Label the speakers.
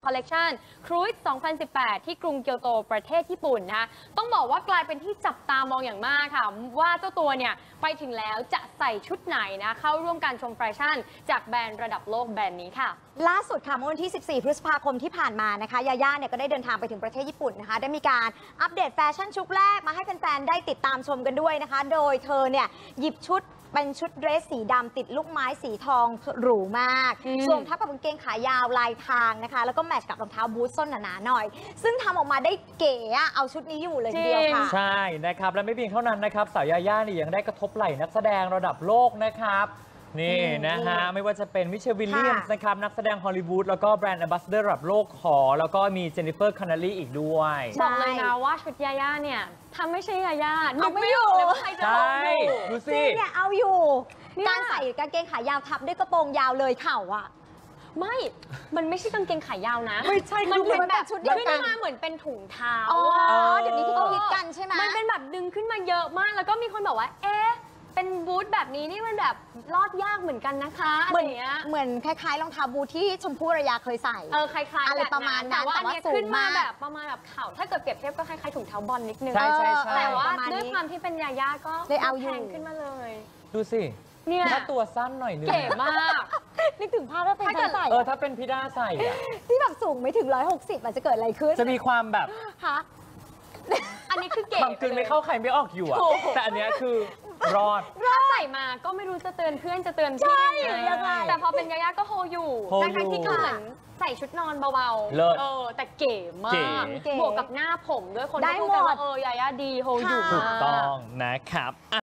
Speaker 1: คอลเลกชันครูซ2018 ที่กรุงเกียวโตประเทศญี่ปุ่นนะคะต้องบอกว่ากลายเป็นที่จับตามองอย่างมากค่ะว่าเจ้าตัวเนี่ยไปถึงแล้วจะใส่ชุดไหนนะเข้าร่วมการชมแฟชั่นจากแบรนด์ระดับโลกแบรนด์นี้ค่ะ
Speaker 2: ล่าสุดค่ะเมื่อวันที่ 14 พฤษภาคมที่ผ่านมานะคะยาย่าเนี่ยก็ได้เดินทางไปถึงประเทศญี่ปุ่นนะคะได้มีการอัปเดตแฟชั่นชุดแรกมาให้แฟนๆได้ติดตามชมกันด้วยนะคะโดยเธอเนี่ยหยิบชุดเป็นชุดเดรสสีดำติดลูกไม้สีทองหรูมากสวมทับกับกางเกงขายาวลายทางนะคะแล้วก็แมทช์กับรองเท้าบูทส้นหนาๆหน่อยซึ่งทำออกมาได้เก๋เอาชุดนี้อยู่เลยทีเดียวค่ะ
Speaker 3: ใช่นะครับและไม่เพียงเท่านั้นนะครับสาวยาย่านี่ยังได้กระทบไหล่นักแสดงระดับโลกนะครับนี่นะฮะไม่ว่าจะเป็นมิเชลวิลเลียมส์นะครับนักแสดงฮอลลีวูดแล้วก็แบรนด์แอมบาสเดอร์ระดับโลกขอแล้วก็มีเจนนิเฟอร์คอนเนลลี่อีกด้วย
Speaker 1: บอกเลยนะว่าชุดยาย่าเนี่ยถ้าไม่ใช่ยาย่านึกไม่ออกเลยว่าใครจะเอาอยู่
Speaker 3: ดูสิ
Speaker 2: เนี่ยเอาอยู่การใส่กางเกงขายาวทับด้วยกระโปรงยาวเลยเข่าอ่ะ
Speaker 1: มันไม่ใช่กางเกงขายาวนะ
Speaker 3: ไม่ใช่
Speaker 1: มันเป็นแบบ
Speaker 2: ชุดเดียวกัน
Speaker 1: ขึ้นมาเหมือนเป็นถุงเท้า
Speaker 2: เดี๋ยวนี้ที่เขาคิดกันใช่ไหม
Speaker 1: มันเป็นแบบดึงขึ้นมาเยอะมากแล้วก็มีคนบอกว่าเอ๊ะเป็นบูทแบบนี้นี่มันแบบรอดยากเหมือนกันนะคะอะไรอย่างเงี้ย
Speaker 2: เหมือนคล้ายๆรองเท้าบูทที่ชมพู่อารยาเคยใส่
Speaker 1: คล้ายๆ
Speaker 2: อะไรประมาณนั้น
Speaker 1: แต่ว่าอันนี้ขึ้นมาแบบ
Speaker 2: สูงมาก
Speaker 1: ประมาณแบบเข่าถ้าเกิดเปรียบเทียบก็คล้ายๆถุงเท้าบอลนิดนึง
Speaker 3: ใช่
Speaker 1: แต่ว่า
Speaker 2: ประมาณนี้
Speaker 1: ด้วยความที่เป็นยาย่าก็
Speaker 2: เลยเอาอยู่
Speaker 1: แพงขึ้นมาเลย
Speaker 3: ดูสิ
Speaker 1: เนี่ย
Speaker 3: ถ้าตัวสั้นหน่อยนึง
Speaker 1: เก๋มาก
Speaker 2: นึกถึงภาพว่าเป็นใครใส่
Speaker 3: ถ้าเป็นพี่ด้าใส่อะ
Speaker 2: ที่แบบสูงไม่ถึง160มันจะเกิดอะไรขึ้น
Speaker 3: จะมีความแบบ
Speaker 2: คะ
Speaker 1: อันนี้คือเก๋
Speaker 3: ความกลืนไม่เข้าใครไม่ออกอยู่อะแต่อันเนี้ยคือรอด
Speaker 1: ถ้าใส่มาก็ไม่รู้จะเตือนเพื่อนจะเตือนพี่
Speaker 2: ยังไง
Speaker 1: แต่พอเป็นยาย่าก็โฮอยู่ทั้งที่ก็เหมือนใส่ชุดนอนเบาๆแต่เก๋มากบวกกับหน้าผมด้วยคน
Speaker 2: ได้หมด
Speaker 1: ยาย่าดีโฮอยู่
Speaker 3: ถูกต้องนะครับ